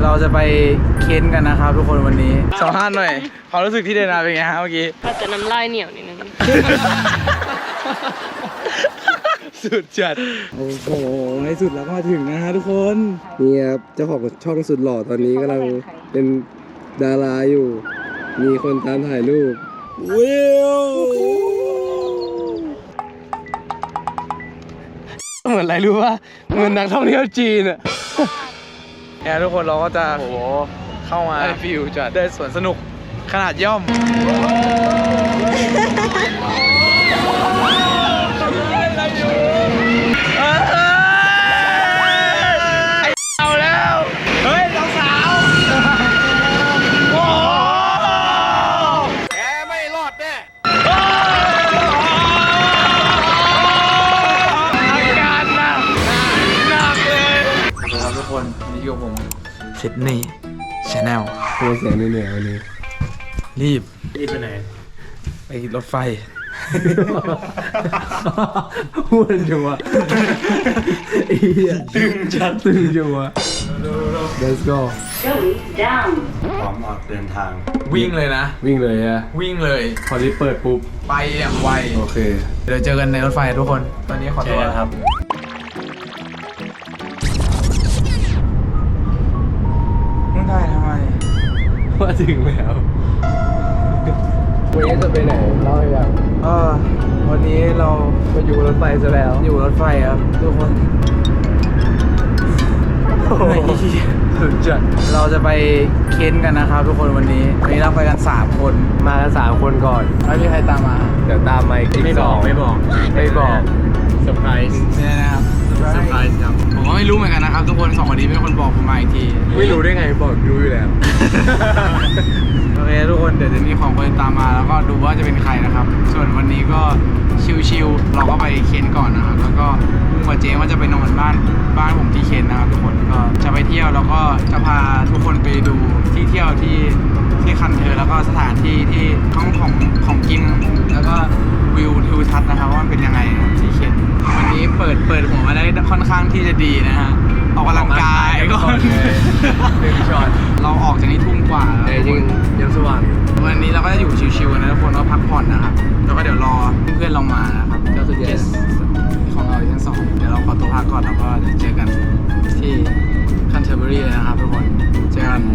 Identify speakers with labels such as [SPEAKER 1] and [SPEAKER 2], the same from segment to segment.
[SPEAKER 1] เราจะไปเค้นกันนะครับทุกคนวันนี้สัมภาษณ์หน่อยความรู้สึกที่เดินมาเป็นไงฮะเมื่อกี้
[SPEAKER 2] อาจจะน้ำลายเหนียวนิดนึง
[SPEAKER 1] สุดจัดโอ้โหในสุดแล้วก็มาถึงนะฮะทุกคนนี่ครับเจ้าของช่องสุดหล่อตอนนี้กำลังเป็นดาราอยู่ มีคนตามถ่ายรูปวิวเหมือนอะไรรู้ป่ะเหมือนนักท่องเที่ยวจีนอะเนี่ยทุกคนเราก็จะเข้ามาได้ฟิวจัดได้สวนสนุกขนาดย่อมเอาแล้วเฮ้ยสาวโอ้แกไม่รอดแน่อาการหนักเลยครับทุกคนนี่อยู่กับผมซิดนีย์ชาแนลโปรเสียงเหนื่อยวันนี้รีบไปไหนไปรถไฟพูดจังวะตึงจัดตึงจังวะ Let's go
[SPEAKER 3] พร้อมออกเดินทาง
[SPEAKER 1] วิ่งเลยนะ
[SPEAKER 3] วิ่งเลยฮะ
[SPEAKER 1] วิ่งเลย
[SPEAKER 3] พอลิฟต์เปิดปุ๊บ
[SPEAKER 1] ไปอย่างไว
[SPEAKER 3] โอเค
[SPEAKER 1] เดี๋ยวเจอกันในรถไฟทุกคน ตอนนี้ขอตัวครับมึงถ่ายทำไม
[SPEAKER 3] ว่าถึงแล้ววันนี้จะไปไหนเล่าให้ฟัง
[SPEAKER 1] วันนี้เรามาอยู่รถไฟซะแล้ว อยู่รถไฟครับทุกคนสุดจัดเราจะไปเค้นกันนะครับทุกคนวันนี้เราไปกัน3คน
[SPEAKER 3] มากัน3 คนก่อน
[SPEAKER 1] ไม่มีใครตามมา
[SPEAKER 3] เดี๋ยวตามมาอีก2ไม่บอกเซอร์ไพรส์
[SPEAKER 1] เนี่ยนะครับ
[SPEAKER 3] เซอร์ไพรส์ครับ
[SPEAKER 1] ผมก็ไม่รู้เหมือนกันนะครับทุกคน2คนนี้เป็นคนบอกผมมาอีกที
[SPEAKER 3] ไม่รู้ได้ไงบอกรู้อยู่แล้ว
[SPEAKER 1] โอเคทุกคนเดี๋ยวจะมีของคนตามมาแล้วก็ดูว่าจะเป็นใครนะครับ ส่วนวันนี้ก็ชิลๆเราก็ไปเค้นก่อนนะครับแล้วก็ลุงกับเจ๊ว่าจะไปนอนบ้านผมที่เค้นนะครับทุกคนก็จะไปเที่ยวแล้วก็จะพาทุกคนไปดูที่เที่ยวที่คันเธอแล้วก็สถานที่ที่ของกินแล้วก็วิวทิวทัศน์นะครับว่ามันเป็นยังไงที่เค้นวันนี้เปิดหัวมาได้ค่อนข้างที่จะดีนะฮะออกกำลังกายก่อน1 ช็อตเราออกจากนี้ทุ่มกว่าแล้ว
[SPEAKER 3] แต่จริงยังสว่างอยู่
[SPEAKER 1] วันนี้เราก็จะอยู่ชิวๆนะทุกคนก็พักผ่อนนะครับแล้วก็เดี๋ยวรอเพื่อนเรามานะครับก็คือ guest ของเราทั้งสองเดี๋ยวเราขอตัวพักก่อนแล้วก็เดี๋ยวเจอกันที่คันเทอร์เบอรี่เลยนะครับทุกคนเจอกัน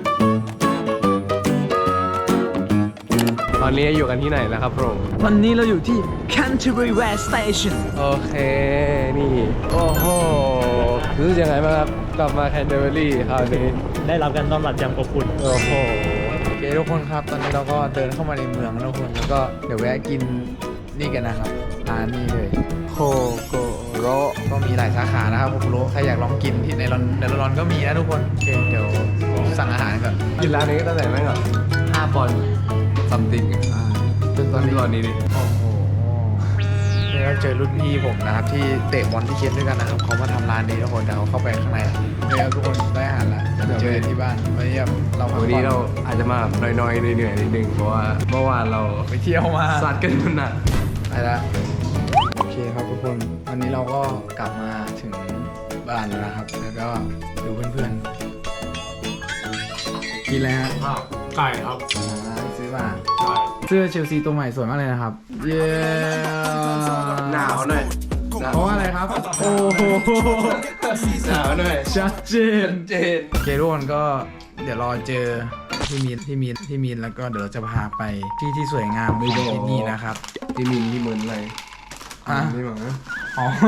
[SPEAKER 3] ตอนนี้อยู่กันที่ไหนแล้วครับผม
[SPEAKER 1] วันนี้เราอยู่ที่ Canterbury West Station
[SPEAKER 3] โอเคนี่โอ้โหรู้สึกยังไงบ้างครับกลับมาแคนเทอร์เบอรี่คราวนี้
[SPEAKER 4] ได้รับการต้อนรับอย่างอบอุ่น
[SPEAKER 3] โอ้โห
[SPEAKER 1] โอเคทุกคนครับตอนนี้เราก็เดินเข้ามาในเมืองแล้วทุกคนแล้วก็เดี๋ยวแวะกินนี่กันนะครับร้านนี้เลยโคโกโรก็มีหลายสาขานะครับผมรู้ใครอยากลองกินที่ในร้อนก็มีนะทุกคนโอเคเดี๋ยวสั่งอาหารก่อน
[SPEAKER 3] กินร้านนี้ก็ตั้งแต่แม่งแบบ5 ปอนด์ซัมติงจนตอนนี้ดิ
[SPEAKER 1] โอ้โหนี่เราเจอรุ่นพี่ผมนะครับที่เตะบอลที่เค้นด้วยกันนะครับเขามาทำร้านนี้ทุกคนเดี๋ยวเขาเข้าไปข้างในเดี๋ยวทุกคนได้อาหารแล้วเดี๋ยวเจอกันที่บ้านวันนี้เราพักผ่อน
[SPEAKER 3] วันนี้เราอาจจะมาแบบน้อยๆเหนื่อยๆนิดนึงเพราะว่าเมื่อวานเรา
[SPEAKER 1] ไปเที่ยวมา
[SPEAKER 3] ซัดกันจนหนัก
[SPEAKER 1] ไปละโอเคครับทุกคนวันนี้เราก็กลับมาถึงบ้านแล้วนะครับแล้วก็ดูเพื่อนๆกินอะไรฮะ
[SPEAKER 4] ไก่ครับ
[SPEAKER 1] ซื้อมาเสื้อเชลซีตัวใหม่สวยมากเลยนะครับเย้
[SPEAKER 3] หนาวหน่อย
[SPEAKER 1] เพราะว่าอะไรครับ โอ้โห
[SPEAKER 3] หนาวหน่อย
[SPEAKER 1] ชัดเจนโอเคทุกคนก็เดี๋ยวรอเจอพี่มีนแล้วก็เดี๋ยวเราจะพาไปที่สวยงามของที่นี่นะครับ
[SPEAKER 3] ที่มินที่เหมือนอะไร
[SPEAKER 1] อ่ะ
[SPEAKER 3] นี่หมอ
[SPEAKER 1] อ๋อ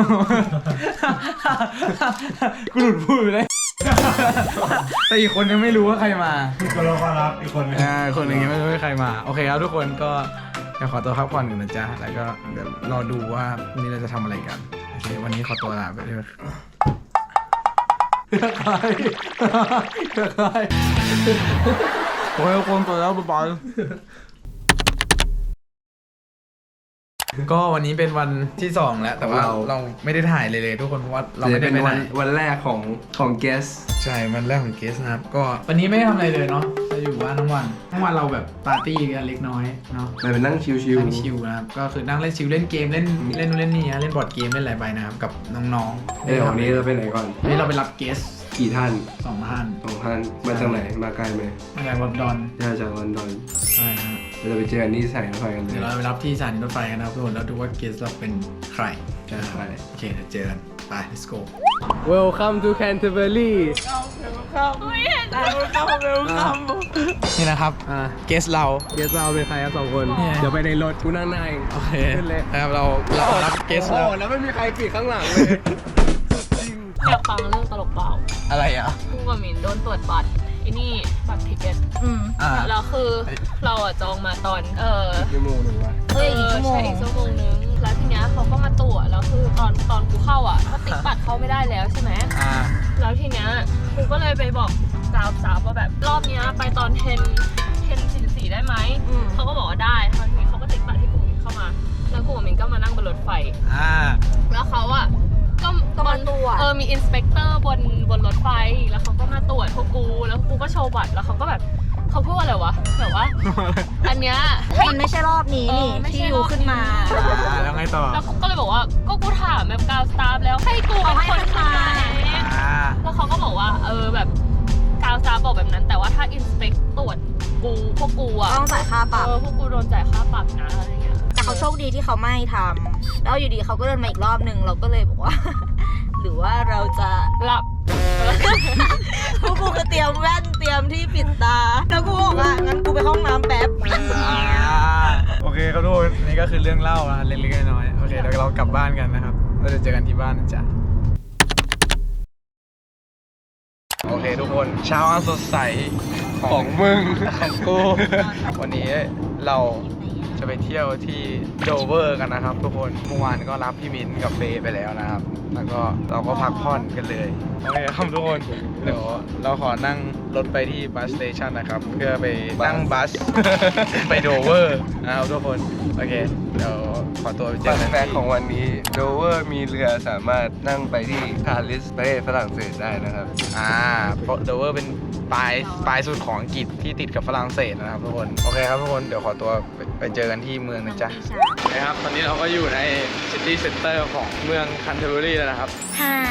[SPEAKER 1] กูหลุดพูดไปเลย แต่อีกคนยังไม่รู้ว่าใครมา
[SPEAKER 4] คนละความลับอีกคนนึง
[SPEAKER 1] คนหนึ่งยังไม่รู้ว่าใครมา โอเคครับทุกคนก็เดี๋ยวขอตัวพักผ่อนกันนะจ๊ะ แล้วก็เดี๋ยวรอดูว่าวันนี้เราจะทำอะไรกัน โอเค วันนี้ขอตัวลาไปเลยใครโอ้ยคนตัวแล้วบ๊ายก็วันนี้เป็นวันที่2แล้วแต่ว่าเราไม่ได้ถ่ายเลยทุกคนเพราะว่าเราไม่ได้
[SPEAKER 3] เป็น
[SPEAKER 1] ไปไห
[SPEAKER 3] วันแรกของเกส
[SPEAKER 1] ใช่วันแรกของเกสนะครับก็วันนี้ไม่ได้ทำอะไรเลยเนาะจะอยู่บ้านทั้งวันเราแบบปาร์ตี้กันเล็กน้อยเนาะ
[SPEAKER 3] ไปนั่งชิว
[SPEAKER 1] นั่งชิลนะครับก็คือนั่งเล่นชิลเล่นเกมเล่นนู่นเล่นนี่นะเล่นบอร์ดเกมเล่นอะไรไปนะครับกับน้องๆ
[SPEAKER 3] เดี๋ยววันนี้เราไปไหนก่อน
[SPEAKER 1] วันนี้เราไปรับเกส
[SPEAKER 3] กี่ท่าน
[SPEAKER 4] 2 ท่าน
[SPEAKER 3] 2 ท่านมาจากไหนมาไกลไหม
[SPEAKER 4] มาจากลอนดอน
[SPEAKER 3] มาจากลอนดอน
[SPEAKER 4] ใช่ฮะ
[SPEAKER 3] เราจะไปเจอกันที่สถานีรถไฟกันเลย
[SPEAKER 4] เดี๋ยวเราไปรับที่สถานีรถไฟกันนะครับทุกคนแล้วดูว่าเกสเราเป็นใคร
[SPEAKER 3] ใช่
[SPEAKER 4] โอเคเดี๋ยวเจอกันไป let's go
[SPEAKER 3] Welcome to Canterbury
[SPEAKER 1] นี่นะครับ เกสเรา
[SPEAKER 3] เกสเราเป็นใครครับ2 คน
[SPEAKER 1] เนี่ย
[SPEAKER 3] เดี๋ยวไปในรถกูนั่งหน้าเอง
[SPEAKER 1] โอเค
[SPEAKER 3] ขึ้นเลย
[SPEAKER 1] นะครับเรารับเกสเรา
[SPEAKER 3] โอ้แล้วไม่มีใครปิดข้างหลังเลย
[SPEAKER 2] อยากฟังเรื่องตลกเปล่า
[SPEAKER 1] อะไรอ่ะ
[SPEAKER 2] กูกับหมินโดนตรวจบัตรไอ้นี่บัตรทิเก็ต แล้วคือเราอะจองมาตอน
[SPEAKER 3] ชั่วโมงหนึ่งวะ
[SPEAKER 2] ใช่อีกชั่วโมงนึงแล้วทีเนี้ยเขาก็มาตรวจแล้วคือตอนกูเข้าอ่ะก็ติ๊กบัตรเข้าไม่ได้แล้วใช่ไหมแล้วทีเนี้ยกูก็เลยไปบอกสาวว่าแบบรอบเนี้ยไปตอน10:44ได้ไหมเขาก็บอกว่าได้คราวนี้เขาก็ติ๊กบัตรให้กูเข้ามาแล้วกูกับหมินก็มานั่งบนรถไฟแล้วเขาอ่ะก็มาตรวจมีอินสเปกเตอร์บนรถไฟแล้วเขาก็มาตรวจพวกกูแล้วกูก็โชว์บัตรแล้วเขาก็แบบเขาพูดว่าอะไรวะแบบว่า อันเนี้ย
[SPEAKER 5] มันไม่ใช่รอบนี้นี่ที่ยูขึ้นมา
[SPEAKER 1] แล้วไงต่อ
[SPEAKER 2] แล้วก็เลยบอกว่าก็กูถามแบบกาวสตาฟแล้วให้กูเป็นคนขายแล้วเขาก็บอกว่าแบบกาวสตาฟบอกแบบนั้นแต่ว่าถ้าอินสเปกตรวจพวกกูอะ
[SPEAKER 5] ต้องจ่ายค่าปรับ
[SPEAKER 2] พวกกูโดนจ่ายค่าปรับนะอะไรเงี้ย
[SPEAKER 5] แต่เขาโชคดีที่เขาไม่ทำแล้วอยู่ดีเขาก็เดินมาอีกรอบหนึ่งเราก็เลยบอกว่า หรือว่าเราจะ
[SPEAKER 2] หลับ
[SPEAKER 5] พวกกูก็เตรียมแว่นเตรียมที่ปิดตาแล้วกูบอกว่างั้นกูไปห้องน้ำแป๊บ
[SPEAKER 1] โอเคครับทุกคนนี่ก็คือเรื่องเล่านะเล็กๆน้อยๆโอเคเดี๋ยวเรากลับบ้านกันนะครับเราจะเจอกันที่บ้านนะจ๊ะโอเคทุกคนเช้าอันสดใส
[SPEAKER 3] ของมึง
[SPEAKER 1] ของกูวันนี้เราจะไปเที่ยวที่โดเวอร์กันนะครับทุกคนเมื่อวานก็รับพี่มิ้นกับเฟย์ไปแล้วนะครับแล้วก็เราก็พักผ่อนกันเลยโอเคครับทุกคนเดี๋ยวเราขอนั่งรถไปที่บัสสเตชันนะครับเพื่อไปนั่งบัส ไปโดเวอร์นะครับทุกคนโอเคเดี๋ยวขอตัวไปเจ
[SPEAKER 3] ฟั
[SPEAKER 1] อน กัน
[SPEAKER 3] แฟกของวันนี้โดเวอร์มีเรือสามารถนั่งไปที่ปารีสประเทศฝรั่งเศสได้นะครับ
[SPEAKER 1] โดเวอร์เป็นปลายสุดของอังกฤษที่ติดกับฝรั่งเศสนะครับทุกคนโอเคครับทุกคนเดี๋ยวขอตัวไปเจอกันที่เมืองนะจ๊ะนะครับตอนนี้เราก็อยู่ในซิตี้เซ็นเตอร์ของเมืองคันเทอร์เบอรี่แล้วนะครับ
[SPEAKER 5] หาย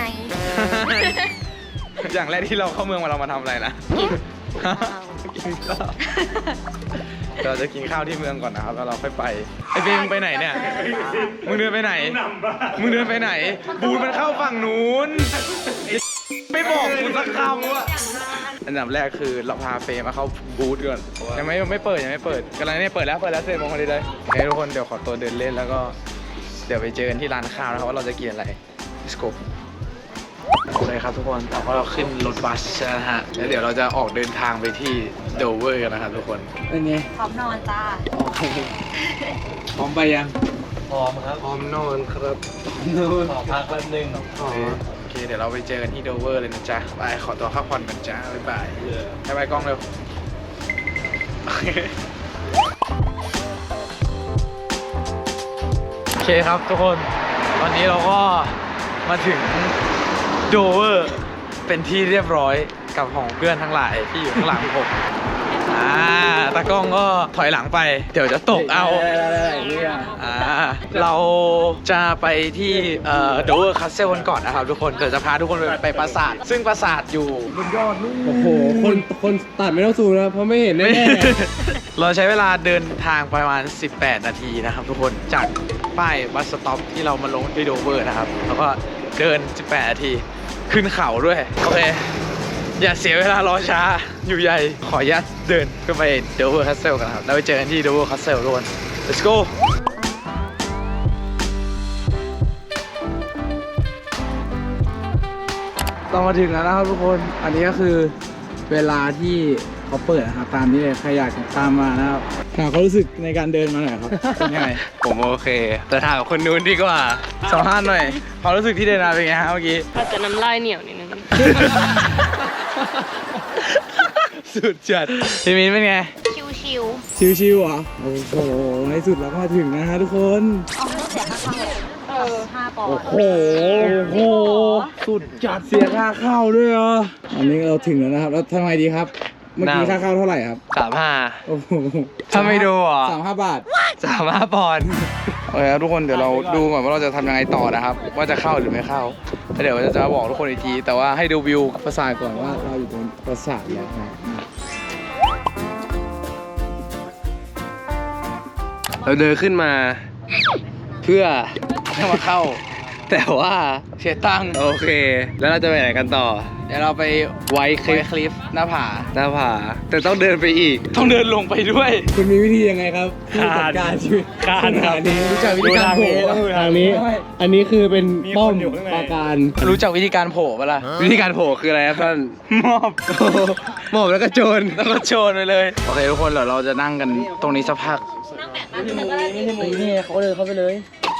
[SPEAKER 1] อย่างแรกที่เราเข้าเมืองมาเรามาทำอะไรนะ กินข้าวเราจะกินข้าวที่เมืองก่อนนะครับแล้วเราค่อยไปไอ้เบงไปไหนเนี่ยมึงเดินไปไหนมึงเดินไปไหนบูธมันเข้าฝั่งนู้นไม่บอกกูสักคำว่าอันดับแรกคือเราพาเฟย์มาเข้าบูธก่อนยังไม่เปิดกำลังเนี่ยเปิดแล้ว10 โมงพอดีเลยโอเคทุกคนเดี๋ยวขอตัวเดินเล่นแล้วก็เดี๋ยวไปเจอกันที่ร้านข้าวนะครับว่าเราจะกินอะไร Let's go โอเคครับทุกคนเราก็ขึ้นรถบัสนะฮะแล้วเดี๋ยวเราจะออกเดินทางไปที่โดเวอร์กันนะครับทุกคนเป็นไง
[SPEAKER 5] พร้อมนอนจ้า
[SPEAKER 1] พร้อมไปยัง
[SPEAKER 3] พร้อมครับ
[SPEAKER 1] พร้อมนอนครับ
[SPEAKER 3] ขอพักแป๊บนึง
[SPEAKER 1] โอเคเดี๋ยวเราไปเจอกันที่โดเวอร์เลยนะจ๊ะไปขอตัวพักผ่อนกันจ้าบ๊ายบายบ๊ายบายกล้องเร็วโอเคครับทุกคนตอนนี้เราก็มาถึงโดเวอร์เป็นที่เรียบร้อยกับของเพื่อนทั้งหลายที่อยู่ข้างหลังผมตากล้องก็ถอยหลังไปเดี๋ยวจะตกเอาเราจะไปที่โดเวอร์คาสเซิลกันก่อนนะครับทุกคนเดี๋ยวจะพาทุกคนไปปราสาทซึ่งปราสาทอยู่บนยอดนู่น
[SPEAKER 3] โอ้โหคนตัดไม่ต้องซูมนะเพราะไม่เห็นแน่
[SPEAKER 1] เราใช้เวลาเดินทางประมาณ18 นาทีนะครับทุกคนจากป้ายบัสสต็อปที่เรามาลงที่โดเวอร์นะครับแล้วก็เดิน18 นาทีขึ้นเขาด้วยโอเคอย่าเสียเวลารอช้าอยู่ใหญ่ขออนุญาตเดินขึ้นไปโดเวอร์คาสเซิลกันครับแล้วไปเจอกันที่โดเวอร์คาสเซิลทุกคน let's go เรามาถึงแล้วนะครับทุกคนอันนี้ก็คือเวลาที่เขาเปิดนะครับตามนี้เลยใครอยากตามมานะครับถามเขารู้สึกในการเดินมาหน่อยครับเป็นยังไง
[SPEAKER 3] ผมโอเค แต่ถามคนนู้นดีกว่า
[SPEAKER 1] สัมภาษณ์หน่อยความรู้สึกที่เดินมาเป็นไงฮะเมื่อกี้
[SPEAKER 2] อาจจะน้ำลายเหนียวนิดนึง
[SPEAKER 1] สุดจัดพี่มิ้นเป็นไง
[SPEAKER 5] ชิว
[SPEAKER 1] ชิวๆเหรอโอ้โหในสุดเราก็มาถึงนะฮะทุกคน
[SPEAKER 5] ๆเอาไม่เสียค่าเข้า5 ปอนด์
[SPEAKER 1] โอ้โหสุดจัดเสียค่าเข้าด้วยเหรออันนี้เราถึงแล้วนะครับแล้วทำไมดีครับเมื่อกี้ค่าเข้าเท่าไหร่ครับ
[SPEAKER 3] 35
[SPEAKER 1] โอ้โห
[SPEAKER 3] ถ้าไม่ดูอ่ะ
[SPEAKER 1] 35 บาท
[SPEAKER 3] 35 ปอนด์
[SPEAKER 1] โอเคครับทุกคนเดี๋ยวเราดูก่อนว่าเราจะทำยังไงต่อนะครับว่าจะเข้าหรือไม่เข้าแล้วเดี๋ยวจะบอกทุกคนอีกทีแต่ว่าให้ดูวิวปราสาทก่อนว่าเราอยู่ตรงปราสาทแล้วนะ
[SPEAKER 3] เราเดินขึ้นมาเพื่อ
[SPEAKER 1] ให้มาเข้า
[SPEAKER 3] แต่ว่า
[SPEAKER 1] เสียตังค์
[SPEAKER 3] โอเค แล้วเราจะไปไหนกันต่อ
[SPEAKER 1] เดี๋ยวเราไป
[SPEAKER 3] ไวท์คลิป
[SPEAKER 1] คลิฟหน้าผา
[SPEAKER 3] หน้าผาแต่ต้องเดินไปอีก
[SPEAKER 1] ต้องเดินลงไปด้วย
[SPEAKER 3] คุณมีวิธียังไงครับที่จัดการชีวิต
[SPEAKER 4] คานครับ
[SPEAKER 3] นี้รู้จักวิธีการโผล่
[SPEAKER 4] ต้องดู
[SPEAKER 3] ทางนี้ อันนี้คือเป็น
[SPEAKER 4] มี
[SPEAKER 3] ป้อ
[SPEAKER 4] ค
[SPEAKER 3] ม
[SPEAKER 4] นอยู่ข้างใน
[SPEAKER 3] ปราการ
[SPEAKER 1] รู้จักวิธีการโผล่ปะล่ะ
[SPEAKER 3] วิธีการโผล่คืออะไรครับท่าน
[SPEAKER 1] มอบ
[SPEAKER 3] หมอบแล้วก็โจร
[SPEAKER 1] แล้วก็โชว์ไปเลยโอเคทุกคนเดี๋ยวเราจะนั่งกันตรงนี้สักพัก
[SPEAKER 3] นี่เขาเดินเข้าไปเลย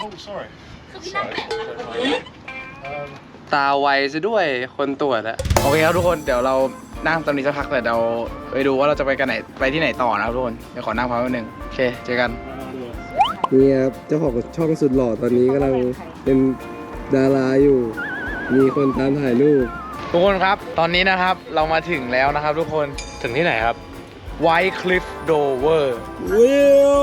[SPEAKER 3] ตาไวซะด้วยคนตรวจอะ
[SPEAKER 1] โอเคครับทุกคนเดี๋ยวเรานั่งตรงนี้สักพักแต่เราไปดูว่าเราจะไปกันไหนไปที่ไหนต่อนะครับทุกคนเดี๋ยวขอนั่งพักแป๊บนึงโอเคเจอกัน
[SPEAKER 3] นี่ครับเจ้าของช่องสุดหล่อตอนนี้กำลังเป็นดาราอยู่ มีคนตามถ่ายรูป
[SPEAKER 1] ทุกคนครับตอนนี้นะครับเรามาถึงแล้วนะครับทุกคน
[SPEAKER 4] ถึงที่ไหนครับ
[SPEAKER 1] White Cliff Dover
[SPEAKER 3] วิว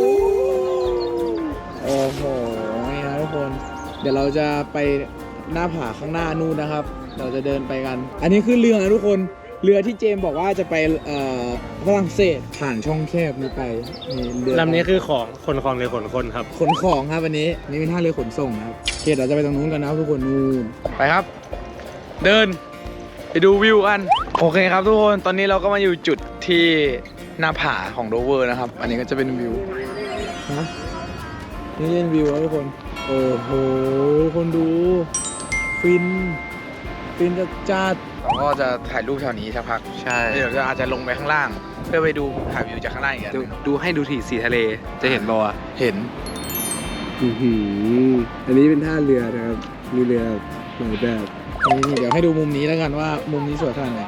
[SPEAKER 1] โอ้โหนี่นะทุกคนเดี๋ยวเราจะไปหน้าผาข้างหน้านู่นนะครับ เราจะเดินไปกัน อันนี้คือเรือนะทุกคนเรือที่เจมส์บอกว่าจะไปฝรั่งเศสผ่านช่องแคบนี้ไปนี่เรือ
[SPEAKER 4] ลำนี้คือของคนหรือขนคนครับ
[SPEAKER 1] ขนของครับวันนี้นี่เป็นท่าเรือขนส่งนะครับโอเคเราจะไปตรงนู้นกันนะครับทุกคนนู่นไปครับ เดินไปดูวิวกันโอเคครับทุกคนตอนนี้เราก็มาอยู่จุดที่หน้าผาของโดเวอร์นะครับ อันนี้ก็จะเป็นวิวฮะนี่เป็นวิวครับทุกคนโอ้โหคนดูฟินจัดเราก็จะถ่ายรูปแถวนี้สักพัก
[SPEAKER 3] ใช่
[SPEAKER 1] เดี๋ยวจะอาจจะลงไปข้างล่าง เพื่อไปดูถ่ายวิวจากข้างล่างอีกอันหนึ่ง
[SPEAKER 3] ดูให้ดูที่สีทะเลจะเห็นบ่อะ
[SPEAKER 1] เห็น
[SPEAKER 3] อันนี้เป็นท่าเรือนะครับมีเรือหลายแบบ
[SPEAKER 1] นี่เดี๋ยวให้ดูมุมนี้แล้วกันว่ามุมนี้สวยขนาดไหน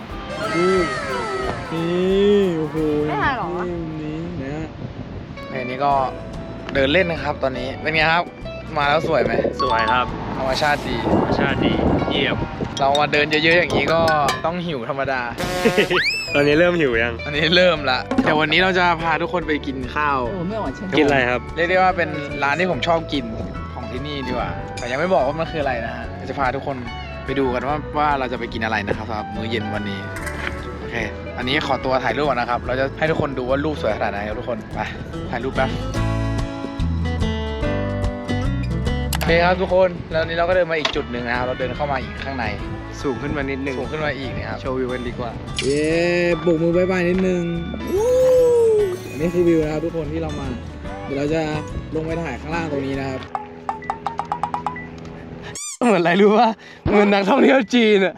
[SPEAKER 1] นี่โอ้โห
[SPEAKER 5] ไม่ถ่ายหรอ
[SPEAKER 1] นี่มุมนี้นะอันนี้ก็เดินเล่นนะครับ ตอนนี้เป็นไงครับ มาแล้วสวยไหม
[SPEAKER 4] สวยครับ
[SPEAKER 1] ธรรมชาติดี
[SPEAKER 4] ธรรมชาติดีเยี่ยม
[SPEAKER 1] เรามาเดินเยอะๆอย่างนี้ก็ต้องหิวธรรมดา
[SPEAKER 4] ตอนนี้เริ่มหิวยัง
[SPEAKER 1] อันนี้เริ่มละแต่วันนี้เราจะพาทุกคนไปกินข้าว
[SPEAKER 4] กินอะไรครับ
[SPEAKER 1] เรียกได้ว่าเป็นร้านที่ผมชอบกินของที่นี่ดีกว่าแต่ยังไม่บอกว่ามันคืออะไรนะฮะเดี๋ยวจะพาทุกคนไปดูกันว่าเราจะไปกินอะไรนะครับสำหรับมื้อเย็นวันนี้โอเคอันนี้ขอตัวถ่ายรูปก่อนนะครับเราจะให้ทุกคนดูว่ารูปสวยขนาดไหนครับทุกคนไปถ่ายรูปแป๊บโอเคครับทุกคนแล้วนี้เราก็เดินมาอีกจุดหนึ่งนะครับเราเดินเข้ามาอีกข้างใน
[SPEAKER 3] สูงขึ้นมานิดนึง
[SPEAKER 1] สูงขึ้นมาอีกนะครับ
[SPEAKER 3] โชว์วิวกันดีกว่า
[SPEAKER 1] เย้บุกมือบายบายนิดนึงอันนี้คือวิวนะครับทุกคนที่เรามาเดี๋ยวเราจะลงไปถ่ายข้างล่างตรงนี้นะครับ
[SPEAKER 3] เหมือนอะไรรู้ป่ะเหมือนนักท่องเที่ยวจีนอะ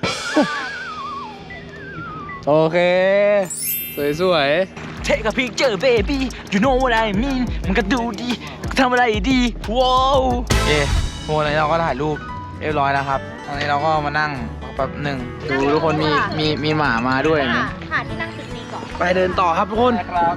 [SPEAKER 3] โอเค สวย
[SPEAKER 1] Take a picture baby you know what I mean มันก็ดูดีทำอะไรดีว้าวเย้โอ้ตอนนี้เราก็ถ่ายรูปเรียบร้อยแล้วครับตอนนี้เราก็มานั่งแป๊บหนึ่งดูทุกคนมีหมามาด้วยนะ
[SPEAKER 5] หาที่นั่งจุดนี้ก่อน
[SPEAKER 1] ไปเดินต่อครับทุกคนครับ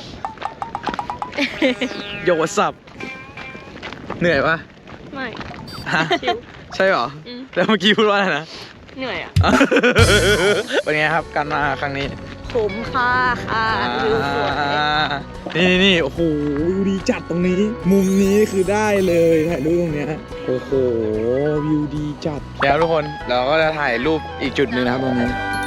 [SPEAKER 1] โยสับเหนื่อยปะ
[SPEAKER 2] ไม่
[SPEAKER 1] ฮะ
[SPEAKER 2] ชิว
[SPEAKER 1] ใช่เหรอ
[SPEAKER 2] อืม
[SPEAKER 1] แล้วเมื่อกี้พูดว่าอะไรนะ
[SPEAKER 2] เหนื่อยอ่ะ
[SPEAKER 1] เป็นไงครับการมาครั้งนี้
[SPEAKER 5] ผมค่ะวิวสวย
[SPEAKER 1] นี่โอ้โหวิวดีจัดตรงนี้ มุมนี้คือได้เลยถ่ายรูปตรงเนี้ยโอ้โหวิวดีจัดแล้วทุกคนเราก็จะถ่ายรูปอีกจุดหนึ่งนะครับตรงนี้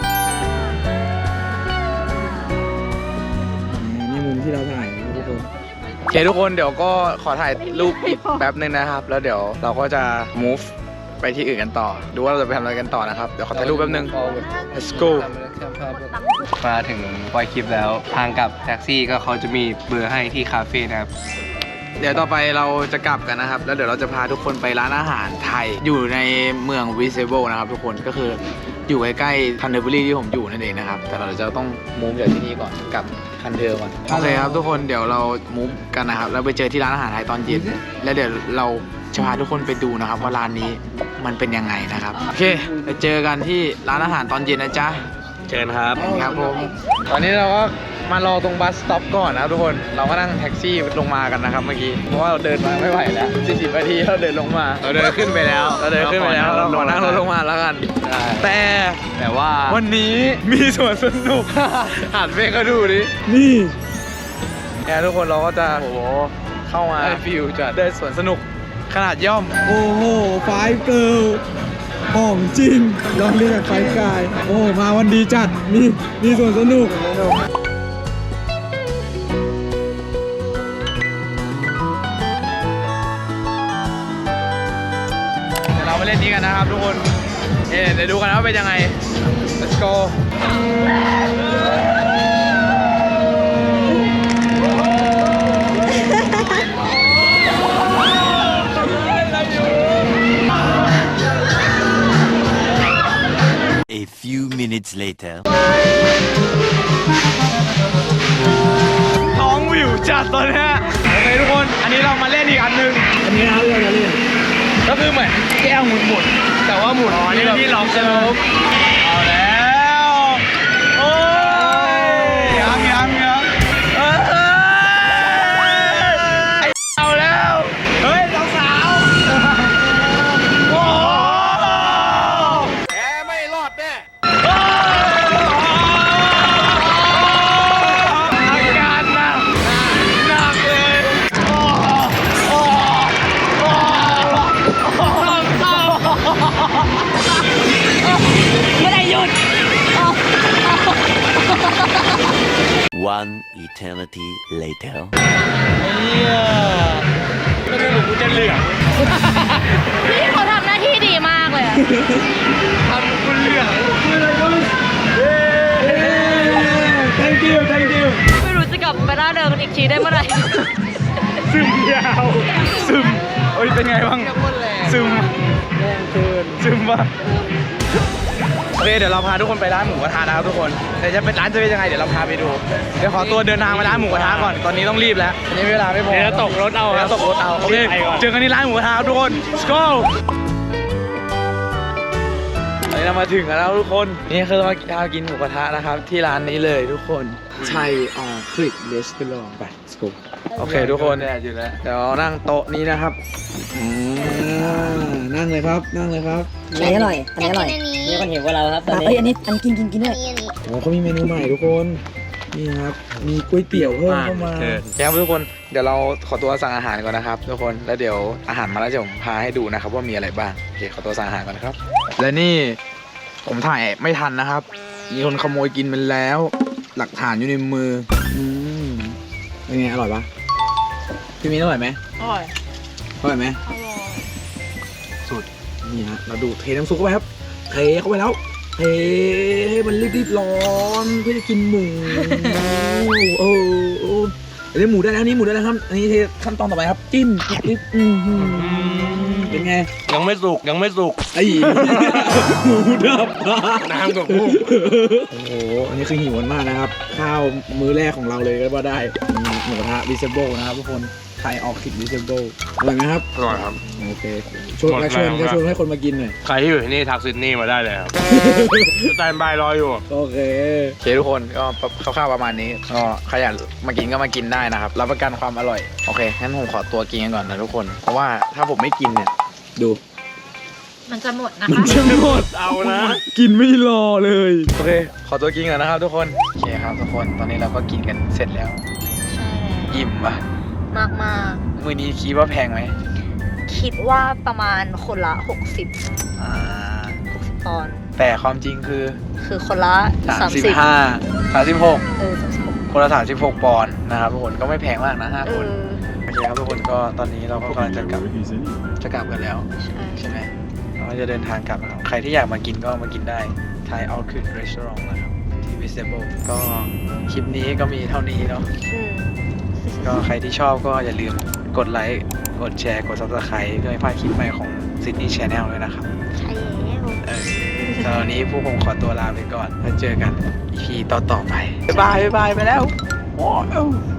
[SPEAKER 1] นี่มุมที่เราถ่ายนะทุกคนโอเคทุกคนเดี๋ยวก็ขอถ่ายรูปอีกแป๊บหนึ่งนะครับ แล้วเดี๋ยวเราก็จะ move ไปที่อื่นกันต่อ ดูว่าเราจะไปทำอะไรกันต่อนะครับเดี๋ยวขอถ่ายรูปแป๊บหนึง let's go
[SPEAKER 3] มาถึงปอยคลิปแล้วทางกลับแท็กซี่ก็เขาจะมีเบอร์ให้ที่คาเฟ่นะครับ
[SPEAKER 1] เดี๋ยวต่อไปเราจะกลับกันนะครับ แล้วเดี๋ยวเราจะพาทุกคนไปร้านอาหารไทย อยู่ในเมืองวิเซเบิลนะครับทุกคนก็คืออยู่ใกล้ๆคันเทอร์เบอรี่ที่ผมอยู่นั่นเองนะครับ แต่เราจะต้องมูฟจากที่นี่ก่อนกลับคันเทอร์ก่อนโอเคครับทุกคนเดี๋ยวเรามูฟกันนะครับแล้วไปเจอที่ร้านอาหารไทยตอนเย็นแล้วเดี๋ยวเราจะพาทุกคนไปดูนะครับว่าร้านนี้มันเป็นยังไงนะครับโอเคไปเจอกันที่ร้านอาหารตอนเย็นนะจ๊ะ
[SPEAKER 4] เชิญครับ
[SPEAKER 1] ครับผมตอนนี้เราก็มารอตรงบัสสต็อปก่อนนะครับทุกคนเราก็นั่งแท็กซี่ลงมากันนะครับเมื่อกี้เพราะว่าเราเดินมาไม่ไหวแล้ว40 นาทีเราเดินลงมา
[SPEAKER 3] เราเดินขึ้นไปแล้ว
[SPEAKER 1] เราขอนั่งรถลงมาแล้วกันแต่ว่าวันนี้มีสวนสนุก หันไปก็ดูดินี่แทุกคนเราก็จะเข้ามา
[SPEAKER 3] ได้ฟิลจัด
[SPEAKER 1] เดินสวนสนุกขนาดย่อมโอ้โห5 Girl หอมจริงลองเรียกไฟกายโอ้มาวันดีจัดมีส่วนสนุกเดี๋ยวเราไปเล่นนี้กันนะครับทุกคนเดี๋ยวดูกันว่าเป็นยังไง let's go ท้องวิวจัดตอนนี้โอเคทุกคนอันนี้เรามาเล่นอีกอันหนึงอันนี้นะเราจะเล่นก็คือเหมือนแก้วหมุนแต่ว่าหมุนนี่ที่ล็อกใช่ไหมเอาแล้วโอ้ยยังเอาแล้วเฮ้ยสาวโอ้แกไม่รอดแน่อาการหนักเลยไม่ได้หยุด
[SPEAKER 6] One eternity later.
[SPEAKER 1] ก็คือหนูกูจะเหลือง
[SPEAKER 2] พี่เขาทำหน้าที่ดีมากเลยอะ
[SPEAKER 1] ทำกูเหลืองthank you
[SPEAKER 2] ไม่รู้จะกลับไปหน้าเดิมกันอีกทีได้เมื่อไหร่
[SPEAKER 1] ซึมยาวซึมโอ้ยเป็นไงบ้างซึมซึมป่ะโอเคเดี๋ยวเราพาทุกคนไปร้านหมูกระทะนะครับทุกคนแต่จะเป็นร้านจะเป็นยังไงเดี๋ยวเราพาไปดูเดี๋ยวขอตัวเดินทางไปร้านหมูกระทะก่อนตอนนี้ต้องรีบแล้วอันนี้เวลาไม่พอเดี๋ยวตกรถเอาโอเคเจอกันที่ร้านหมูกระทะครับทุกคน let's go ตอนนี้เรามาถึงแล้วทุกคนนี่คือเรามากินหมูกระทะนะครับที่ร้านนี้เลยทุกคนไทยคลิกเรสตอรองไป let's go โอเคทุกคนเดี๋ยวนั่งโต๊ะนี้นะครับนั่งเลยครับอันนี้อร่อยมีคนหิวกว่าเราครับตอนนี้อันนี้กินด้วยโอ้เขามีเมนูใหม่ทุกคนนี่ครับมีก๋วยเตี๋ยวเพิ่มเข้ามาครับทุกคนเดี๋ยวเราขอตัวสั่งอาหารก่อนนะครับทุกคนแล้วเดี๋ยวอาหารมาแล้วจะผมพาให้ดูนะครับว่ามีอะไรบ้างโอเคขอตัวสั่งอาหารก่อนนะครับและนี่ผมถ่ายไม่ทันนะครับมีคนขโมยกินไปแล้วหลักฐานอยู่ในมือเป็นไงอร่อยปะพี่มิ้นอร่อยไหมอร่อยไหมสุดนี่ฮะเราดูเทน้ำซุปเข้าไปครับเทเข้าไปแล้วเทให้มันรีบๆร้อนเพื่อจะกินหมูโอ้อันนี้หมูได้แล้วครับอันนี้เทขั้นตอนต่อไปครับจิ้มเป็นไงยังไม่สุกไอ้หมูดับน้ำกับกุ้งโอ้โหอันนี้คือหิวมากนะครับข้าวมื้อแรกของเราเลยก็ว่าได้หมูกระทะวิเซเบิลนะครับทุกคนไทยออกคิดวิเซเบิลอร่อยไหมครับอร่อยครับโอเคชวนให้คนมากินหน่อย
[SPEAKER 7] ใครที่อยู่ที่นี่ทักซิดนีย์มาได้เลยครับ สแตนบายรออยู่
[SPEAKER 1] โอเคทุกคนก็คร่าวๆประมาณนี้ก็ใครอยากมากินก็มากินได้นะครับรับประกันความอร่อยโอเคงั้นผมขอตัวกินกันก่อนนะทุกคนเพราะว่าถ้าผมไม่กินเนี่ยดู
[SPEAKER 2] มันจะหมดนะคะ
[SPEAKER 1] มันจะหมดเอานะกินไม่รอเลยโอเคขอตัวกินก่อนนะครับทุกคนโอเคครับทุกคนตอนนี้เราก็กินกันเสร็จแล้ว
[SPEAKER 2] ใช่
[SPEAKER 1] อิ่มปะ
[SPEAKER 5] มาก
[SPEAKER 1] มื้อนี้คิดว่าแพงไหม
[SPEAKER 5] คิดว่าประมาณคนละ60ปอนด์
[SPEAKER 1] แต่ความจริงคือ
[SPEAKER 5] คนละ
[SPEAKER 1] 36คนละ36ปอนด์นะครับทุกคนก็ไม่แพงมากนะ5คนโอเคครับทุกคนก็ตอนนี้เราก็กำลังจะกลับกันแล้วใช่ไหมเราจะเดินทางกลับแล้วใครที่อยากมากินก็มากินได้ Thai Outlet Restaurant นะครับที่ Visible ก็คลิปนี้ก็มีเท่านี้เนาะก็ใครที่ชอบก็อย่าลืมกดไลค์กดแชร์กด Subscribe เพื่อไม่พลาดคลิปใหม่ของ Sydney Channel เลยนะครับ
[SPEAKER 5] ใช่
[SPEAKER 1] แล้วตอนนี้พวกผมขอตัวลาไปก่อนแล้วเจอกัน EP ต่อไปบ๊ายบายไปแล้ว